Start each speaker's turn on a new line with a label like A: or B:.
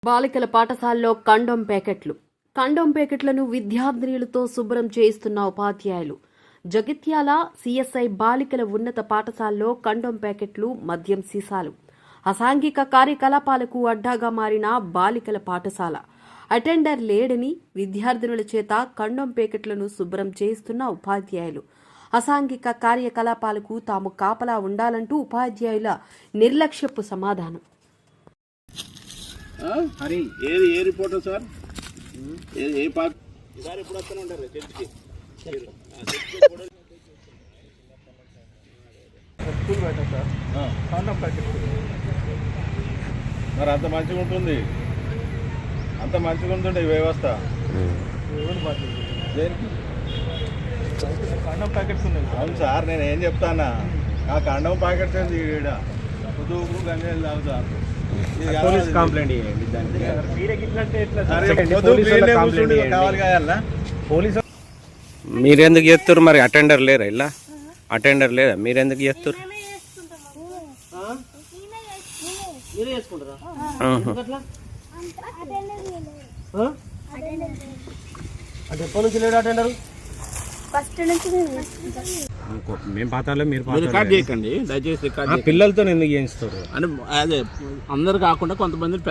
A: బాలికల పాఠశాలలో కండోమ్ ప్యాకెట్లను విద్యార్థినులతో శుభ్రం చేయిస్తున్న ఉపాధ్యాయులు. జగిత్యాల సిఎస్ఐ బాలికల ఉన్నత పాఠశాలలో కండోమ్ ప్యాకెట్లు, మద్యం సీసాలు, అసాంఘిక కార్యకలాపాలకు అడ్డాగా మారిన బాలికల పాఠశాల. అటెండర్ లేడని విద్యార్థినుల చేత కండోమ్ ప్యాకెట్లను శుభ్రం చేయిస్తున్న ఉపాధ్యాయులు. అసాంఘిక కార్యకలాపాలకు తాము కాపలా ఉండాలంటూ ఉపాధ్యాయుల నిర్లక్ష్యపు సమాధానం.
B: ఏది ఏ రిపోర్ట్ సార్? ఏ పార్ట్ ఈసారి ఎప్పుడు వస్తూనే ఉంటారు చర్చికి? మరి అంత మంచిగా ఉంటుంది, అంత మంచిగా ఉంటుండే ఈ వ్యవస్థ. కండోమ్ ప్యాకెట్స్ ఉన్నాయి. అవును సార్, నేను ఏం చెప్తానా, ఆ కండోమ్ ప్యాకెట్స్ ఈడ పొద్దుకు గంజాయిలు తాగుతారు.
C: మీరెందుకు చేస్తారు మరి? అటెండర్ లేరా? ఇలా అటెండర్ లేదా? మీరెందుకు చేస్తారు? మేము పాతాలో మీరు
B: రికార్డ్ చేయకండి దయచేసి.
C: పిల్లలతో ఎందుకు చేయిస్తారు?
B: అంటే అదే అందరు కాకుండా కొంతమంది